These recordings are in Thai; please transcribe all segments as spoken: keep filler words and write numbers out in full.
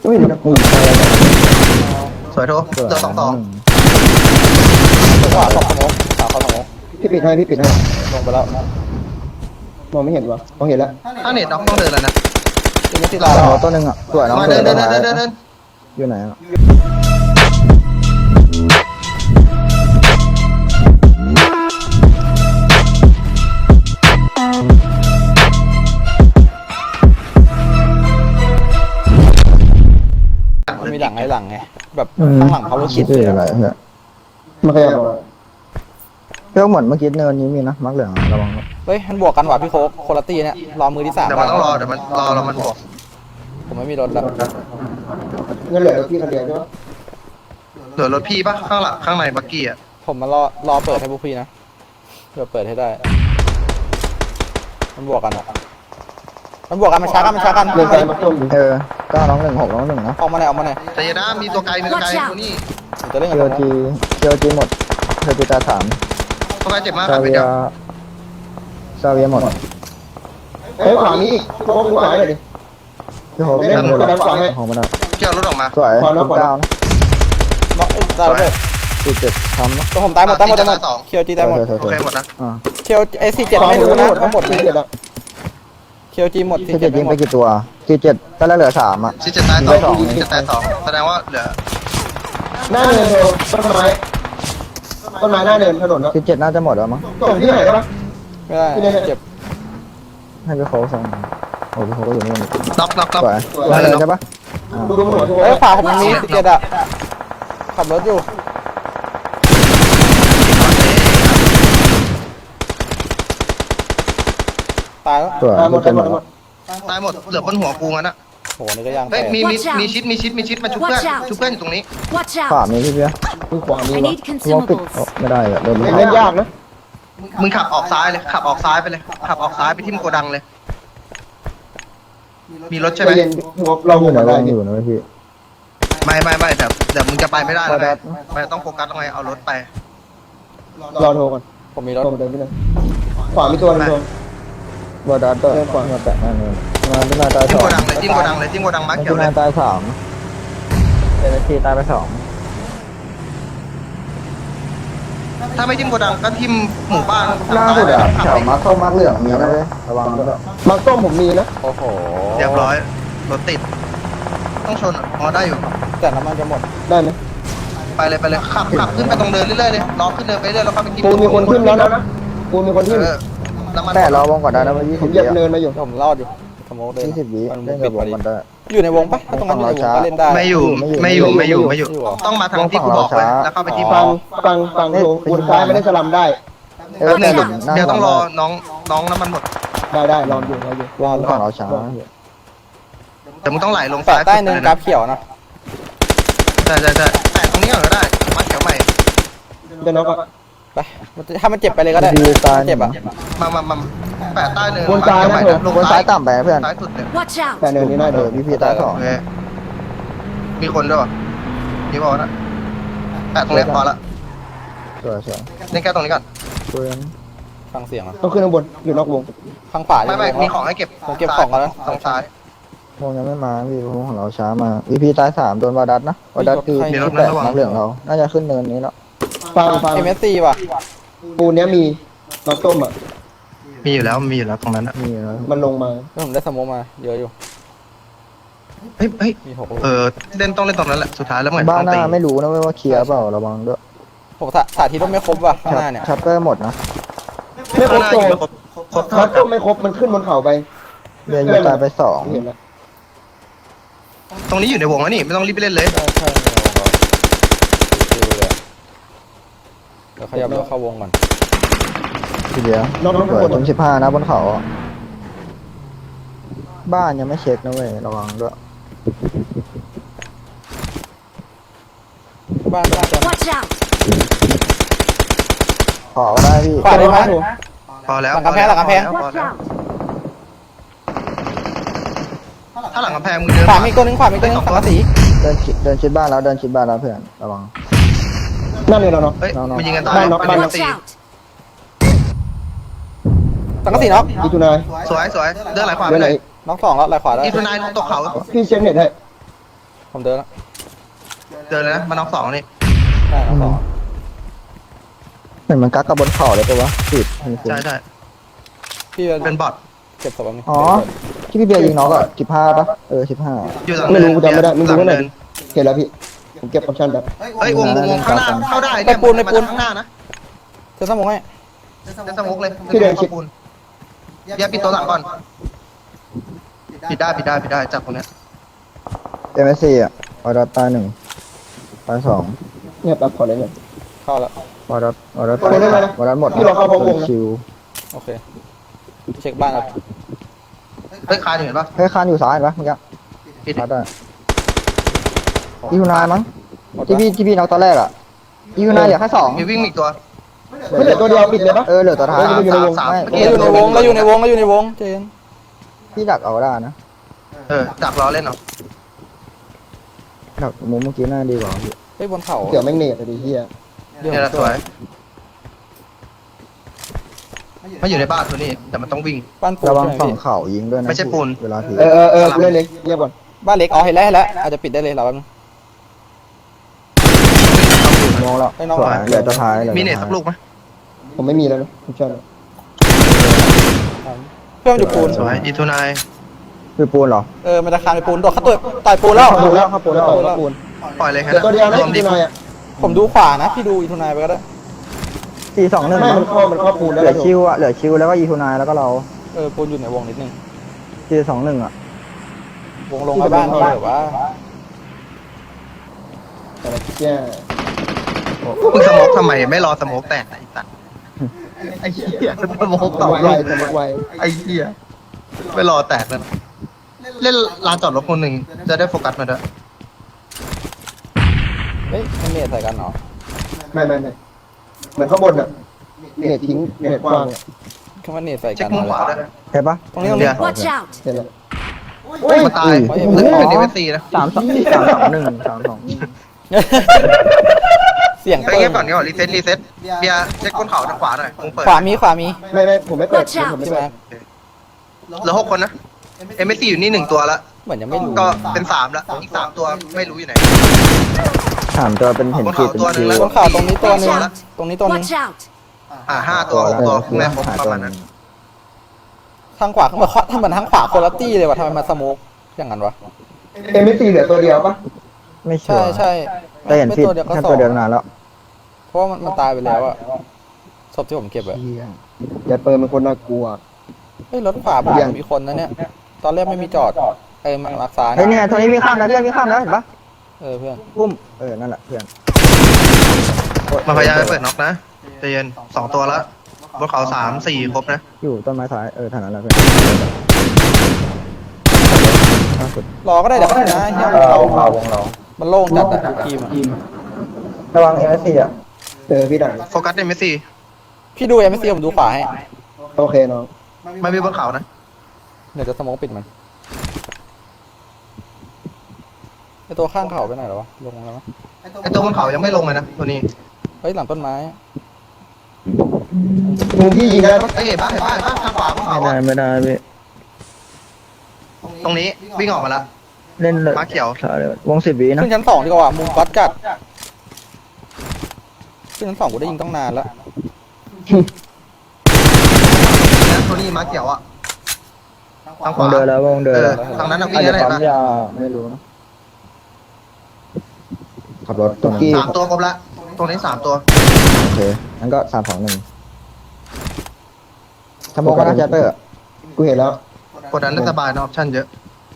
อุ้ยมันกูอยู่อะไรเนี่ยสวยโทเจอสองสองขวาตกสมองขวาเข้าสมองพี่ปิดให้พี่ปิดให้ลงไปแล้วมองไม่เห็นวะมองเห็นแล้วถ้าเน็ตน้องต้องเดินแล้วนะทีนี้ที่ลาอ๋อตัวหนึ่งอ่ะสวยน้องมาสวเดิยนเดินเดินเดินเดินอยู่ไหนอ่ะมันมีหลังไอ้หลังไงแบบข้างหลังเขาคิดชื่ออะไรเพื่อนมันขยับออกเพื่อนเหมือนเมื่อกี้เนินนี้มีนะมักเหลืองระวังเฮ้ยมันบวกกันว่ะพี่โค้กโคลาตี้เนี่ยรอมือที่สามเดี๋ยวมันต้องรอเดี๋ยวมันรอแล้วมันบอกผมไม่มีรถแล้วเงินเหลือพี่คนเดียวใช่ปะเหลือรถพี่ปะข้างหลังข้างในบักกี้อ่ะผมมารอรอเปิดให้พวกพี่นะเพื่อเปิดให้ได้มันบวกกันอ่ะมันบวกกันมันช้ากันมันช้ากันเดินไปมาต้มดิเออเก้าน้องหนึ่งหกน้องหนึ่งนะออกมาไหนออกมาไหนแต่อยานะมีตัวไกลมีตัวไกลตัวนี้ผมจะเล่นเคีกัยบวจีเคียวจีหมดเคียวจีตาสามตัวไกลเจ็บมากคซารับไปเวียเดี๋ยวซาเวียหมดเฮ้ยขวามีอีกโค้งขวาเลยดิพี่โฮเล่นกระดานขวาให้ของมันอ่ะเกี่ยวรถออกมาสวยคุณเก้านะน็อกไอ้ตายเลยสี่เจ็ดทำนะตัวผมตายหมดตายหมดตายหมดเคียวจีตายหมดโอเคหมดนะอ่าเคียวไอ้สี่เจ็ดไม่รู้นะทั้งหมดสี่เจ็ดอ่ะเคียวจีหมดสี่สี่เจ็เจ็ดดไม่ยิงหมไปดกี่ตัวสี่เจ็ดตอนแรกเหลือสามอ่ะชิดเจ็ดตายสองชิดเจ็ดตายสองแสดงว่าเหลือหน้าเนินเร็วต้นไม้ต้นไม้หน้าเนินถนนแล้วสี่เจ็ดน่าจะหมดแล้วมั้งส่งที่ไหนได้ปะไม่ได้เจ็บให้พี่โค้ชส่งโอ้พี่โค้ชก็อยู่นี่มันน็อกน็อกน็อกสวยได้เลยใช่ปะอ่าดูดูหัวทุกคเอ้ยนขวาผมมีสี่เจ็ดอ่ะขับรถอยู่ตายแล้วสวยหมดพี่หมเจ็ดดหหมมดดตายหมดเหลือบนหัวกูงั้นอะโหนี่ก็ยังเฮ้ยแตกมีมีมีชิดมีชิดมีชิดมาชุบเพื่อนชุบเพื่อนอยู่ตรงนี้ Watch ขวา out! มีพี่เบี้ยดูขวามี I วะ need วงปิด consumables. ไม่ได้อะโดนเล่นเล่นยากนะมึงขับออกซ้ายเลยขับออกซ้ายไปเลยขับออกซ้ายไปทิ่มโกดังเลย มีรถใช่ไหมเย็นเราออยู่ยู่ไหนไหนวได้งดิอยู่นะพี่ไม่ไม่ไม่เดี๋ยวเดี๋ยวมึงจะไปไม่ได้พอแล้วดัไงดไม่ต้องโฟกัสตรงไหนเอารถไปรอโทรก่อนผมมีรถโทรเดินไปเลยขวามีตัวนึงโทรบอดัดก็เดินก่อนมาแตะนั่นเลยมาที่นาตายจิ้สมองโกดังเลยจิ้มโกดังเลยจิ้มโกดังมาร์คเขียที่วเลนาย ตายสามเอเนจีตายไปสองถ้าไม่จิ้มโกดังก็ทิ่มหมู่บ้านล่าสุดอะแถวมาเข้ามาเหลืองมีนะเลยระวังด้วยมังต้มผมมีนะโอ้โหเรียบร้อยรถติด ต้องชนอ่ะพอได้อยู่แต่น้ำมันจะหมดได้ไหมไปเลยไปเลยขับขับขึ้นไปตรงเดินเรื่อยๆเลยล้อขึ้นเดินไปเรื่อยแล้วก็ไปกินปูนมีคนขึ้นแล้วนะปูนมีคนขึ้นเออแล้วมันแต่เราวงก่อนได้นะว่ายี่ผสิมบเหยีวิยบเนินมาอยู่ผมรอดอยู่สมองเลยยี่สิบวิมันเล่นปิกัดบพวอง ดีมันได้อยู่ในวงปะถ้าตรงนั้นอยู่ในวงก็เล่นได้ไม่อยู่ไม่ไม่ออยู่ ยู่ไม่อยู่ไม่อยู่ไม่อยู่เหรอต้องมาทางที่กูบอกเลยแล้วเข้าไปที่ฟับ้างฟังฟังโทรวนซ้ายไม่ได้สลัมได้เออเดี๋ยวหนึ่งเดี๋ยวต้องรอน้องน้องน้ำมันหมดได้ได้รออยู่รออยู่วงฝั่งเราช้าแต่มึงต้องไหลลงแปะซ้ายใต้เนินกราฟเขียวนะใช่ใช่ใช่แปะตรงนี้ก่อนก็ได้มาเขียวใหม่เดี๋ยวน้องก็ไปถ้ามันเจ็บไปเลยก็ได้ดีตายเจ็บอ่ะมามามาแปะใต้เนินวนซ้ายนะลงซ้ายต่ำไปเพื่อนซ้ายสุดเนี่ย Watch แต่ out! เนินนี้ได้เอเดิอน พี่พีตายสองโอเคมีคนด้วยมีบอกนะแปะตรงนี้พอละสวยสวยเล่นแค่ตรงนี้ก่อนปืนฟังเสียงอ่ะต้องขึ้นข้างบนอยู่นอกวงข้างขวาไม่ไม่มีของให้เก็บผมเก็บของกันแล้วตรงซ้ายวงยังไม่มาพี่วงของเราช้ามาวีพีตายสามโดนวาดัสนะวาดัสคือที่แปดน้ำเหลืองเรา น่าจะขึ้นเนินนี้แล้วฟังฟังเอ็มเอสซีว่ะปูนเนี้ยมีมังต้มอ่ะมีอยู่แล้วมีอยู่แล้วตรงนั้นนะนี่นะมันลงมาแล้วผมได้สโมองมาเยอะอยู่เฮ้ยเฮ้ยมีหกลูกเออเล่นต้องเล่นตรงนั้นแหละสุดท้ายแล้วเหมือนบ้านต้องหตีน้าไม่รู้นะเว้ยว่าเคลียร์เปล่าระวังด้วยผมสาสาธิตว่าไม่ครบว่ะข้างหน้าเนี่ยชัปเปอร์หมดนะไม่ครบข้างหโตน้าอยู่ครบครบมังต้มไม่ครบมันขึ้นบนเขาไปเรียนยูตายไปสองเห็นแล้วตรงนี้อยู่ในวงแล้วนี่ไม่ต้องรีบไปเล่นเลยใช่ใช่เดี๋ยวขยับรถเข้าวงก่อนทีเดียวน้องน้องเปิคดนจนสิบห้านะบนเขาอะบ้านยังไม่เช็คนะเว้ยระวังด้วยบ้านบ้านจะ Watch out! ขอก็ได้พี่ขวาได้ไหมพอแล้วหลังกำแพงหลังกำแพงพอ Watch แล้ว out! ถ้าหลังกำแพงมึงเดินขวามีตัวหนึงขวามีตัวหนึงสังกะสีเดินชิดเดินชิดบ้านแล้วเดินชิดบ้านแล้วเพื่อนระวังนั่นเลยเราเนาะเฮ้ยน้องๆมันยิงกันตายบ้านน็อกมันบ้านยิงน็กัอกนตี Watch out! สังกะสีน็อกอีทูนายสวยสวยเดินไหลขวาไปเดินไหเลนยอีกน็อกสองแล้วไหลขวาได้อีทูนายตกเขาพี่เช็คเน็ตให้ผมเดินแล้วเจอเลยนะมันน็อกสองนี่ใช่เอาสองเห็นมันกักกับบนเข่าเลยปะวะติดมีคนใช่ใช่พี่เป็นบอทเก็บศพแบบนี้อ๋อที่พี่เบียร์ยิงน้องอะสิบห้าปะเออสิบห้าอยู่หลังไม่เนินรู้กูจำไม่ได้มึงหลัดูงให้หน่อยเนิดินเห็นแล้วพี่ผมเก็บออปชั่นแบบเฮ้ยวงวงวงข้างหน้าเข้าได้เนี่ยมันมาข้างหน้านะเจะสมองให้จะสมุกเลยพี่เดินชิดปูนอย่าปิดตัวหลังก่อนปิดได้ปิดได้ปิดได้จากตรงเนี้ยเอ็มเอสซีอะวอดัสตายหนึ่งตายสองเนี่ยปรับขอเลยเนี่ยเข้าแล้ววอดัสวอดัสเอาไปได้ไหมนะวอดัสหมดพี่ลองเข้าพบวงนะคิวโอเคเช็คบ้านแล้วเฮ้ยคานอยู่เห็นปะเฮ้ยคานอยู่ซ้ายเห็นปะเมื่อกี้ปิดชาร์จได้อีฮูนายมั้งที่พี่ที่พี่น็อกตอนแรกอะอีฮูนายเหลือแค่สองมีวิ่งอีกตัวไม่เหลือตัวเดียวปิดเลยปะเออเหลือตัวท้ายเอออยู่ในวงสามไม่เมื่อเรากี้อยู่ในวงเราอยู่ในวงเราอยู่ในวงเจนพี่ดักเอาได้นะเออดักล้อเล่นเหรอดักมุมเมื่อกี้น่าดีกว่าพี่เฮ้ยบนเขาเดี๋ยวแม่งเนตอะดิเฮียเดี๋ยวเนี่ยแหละสวยไม่อยู่ในบ้านตัวนี้แต่มันต้องวิ่งบ้านปูนระวังใช่ไหมฝั่งพี่เข่ายิงด้วยนะไม่ใช่ปูนเวลาถือเออเออเออกูเล่นเลยเงียบก่อนบ้านเล็กอ๋อเห็นแล้วเห็นแล้วอาจจะปิดได้เลยเราแป๊บนึงมองแล้วไปน้องสวยเหลือตัวท้ายหลือมีตัวเน็ตท้ายสักลูกไหมผมไม่มีแล้วนะออปชั่นเพื่อนมันอยู่ปูนสวยอีทูนายคือปูนเหรอเออมันจะคานไปปูนโดดเข้าตัวต่อยปูนแล้วเข้าปูนแล้วเข้าปูนแล้วเข้าปูนปล่อยเลยแค่เดี๋ยวตัวเดียวนะรวมอีดีกหน่อยอ่ะผมดูขวานะพี่ดูอีทูนายไปก็ได้สี่สองหนึ่งไม่มันเข้ามันเข้าปูนแล้วเหลือคิวอะเหลือคิวแล้วก็อีทูนายแล้วก็เราเออปูนอยู่ในวงนิดนึงสี่สองหนึ่งอะวงลงไปบ้านพี่หรือว่าอะไรแย่มึงสโมกทำไมไม่รอสโมกแตกไอ้สัตว์ไอ้เหี้ยสโมกสต่อมองลไวงสมองไวไอ้เหี้ยไม่รอแตกเลยเล่นลานจอดรถคนหนึ่งจะได้โฟกัสมาด้วยเฮ้ยมันเนตใส่กันเหรอไม่ไม่ไม่เหมือนข้างบนอ่ะเนตทิ้งเนตกว้างอะคือมันเนตใส่เช็กัคน มุมขวาด้วยเห็นปะตรงนี้ตรงนี้ Watch out! เห็นแล้วมาตายโอ้ยนึกเป็นดีเวซีนะสามสองสามสองหนึ่งสามสองเสียงไปเปิเงีดยบก่อนเงียบก่อนรีเซ็ตรีเซ็ตเบียร์เช็คก้นเขาทางขวาหน่อยมึงเปิดขวามีขวามีไม่ไม่ผมไม่เปิด Watch out ผมไม่ใช่ไหเปิมดเหลือหกคนนะเอ็มเอสซีอยู่นี่หนึ่งตัวละเหมือนยังไม่รู้ก็เป็นสามละอีกสามตัวไม่รู้อยู่ไหนสามตัวเป็นเห็นขีดเป็นคิวบนเขาตรงนี้ตัวหนึงตรงนี้ตัวหนึง Watch out! อ่าห้าตัวหกตัวแม่ครบหาประตัวมาณนั้นทางขวาเหมือนทำเหมือนทางขวาคนละตี้เลยว่ะทำไมมาสโมกอย่างนั้นวะเอ็มซีเหลือตัวเดียวปะไม่ชัวใช่ร์ใช่แต่เห็นไม่ผิดตัวเดียวก็แค่สอตัวงเดียวนานแล้วเพราะว่ามันมันตายไปแล้วอะศพที่ผมเก็บอะอย่าเปิดมันคนน่ากลัวเฮ้ยรถขวาผมมีคนนะเนี่ย ตอนแรกไม่มีจอดไอ้มารักษาเฮ้ยเนี่ยตัวนี้มีข้ามแล้วเพื่อนมีข้ามแล้วเห็นปะเออเพื่อนปุ้มเออนั่นแหละเพื่อนมาพยายามไปเปิดน็อกนะใจเย็นสองตัวละบนเขาสามสี่ครบนะอยู่ต้นไม้ซ้ายเออทางนั้นแหละเพื่อนล่าสุดรอก็ได้เดี๋ยวนะเฮียมันเรามันโล่งจัดอะทุกทีมอะระวังเอเอสซีอ่ะเออพี่ดังโฟกัสเอ็มเอสซีพี่ดูเอ็มซีผมดูขวาให้โอเคน้องไม่มีบนเขานะเดี๋ยวจะสโมกปิดมันไอตัวข้างเขาไปไหนแล้ววะลงแล้วมั้ยไอตัวบนเขายังไม่ลงเลยนะตัวนี้เฮ้ยหลังต้นไม้มุมพี่ยิงได้ปะเฮ้ยเห็นปะเห็นปะเห็นปะทางขวาบนเขาไม่ได้อะไม่ได้พี่ตรงนี้วิ่งออกมาละเล่นเลยมาเขียวขาเลยวงสิบวินะขึ้นชั้นสองดีกว่ามุมก๊อตจัดขึ้นชั้นสองกูได้ยิงต้องนานแล้วแล้วตัวนี้มาเขียวอ่ะทางขววางเดินแล้ววงเดินเออแล้วทางนั้นน่ะวิ่อาจงจะได้ปั๊มปะยาไม่รู้นะขับรถตรงนั้นสามตัวครบละตรงนี้สามตัวโอเคงั้นก็สามสองหนึ่งสมองก็น่าจะเตอร์กูเห็นแล้วกดดันได้สบายนะออปชั่นเยอะ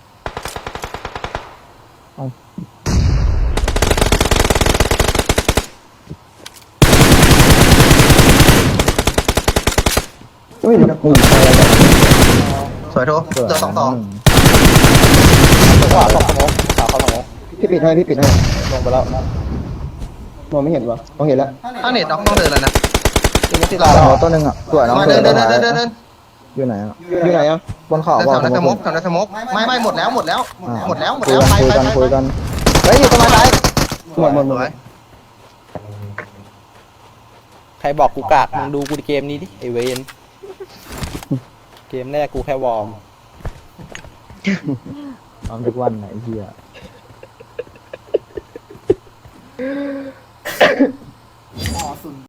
อุ้ยนะกูสวยโทเจอสองสองตัวขวาสองสโมกขวาเขาสโมกพี่ปิดให้พี่ปิดให้ลงไปแล้วมองไม่เห็นวะมองเห็นแล้วถ้าเน็ตน็อกต้องเดินแล้วนะยิงไม่ติดลาสแล้มวองตัวหนึ่งอ่ะสวยน้องมาเสืเดิอนเดินตัวเดินท้ายเดินเดินอยู่ไหนอ่ะอยู่ไหนอ่ะบนเขาแถบอกวนั้นสสมมกกแถวนั้นสมกไม่ไม่หมดแล้วหมดแล้ว หมดแล้วหมดคุยแล้วกันไปคุยไปกันไปคุยกันเฮ้ยอยู่ต้นไม้ซ้ายหมดหมดหมสดวยใครบอกกูกากมึงดูกูเกมนี้ดิไอเวนเกมแรกกูแค่วอร์มทำทุกวันไหนเฮียเ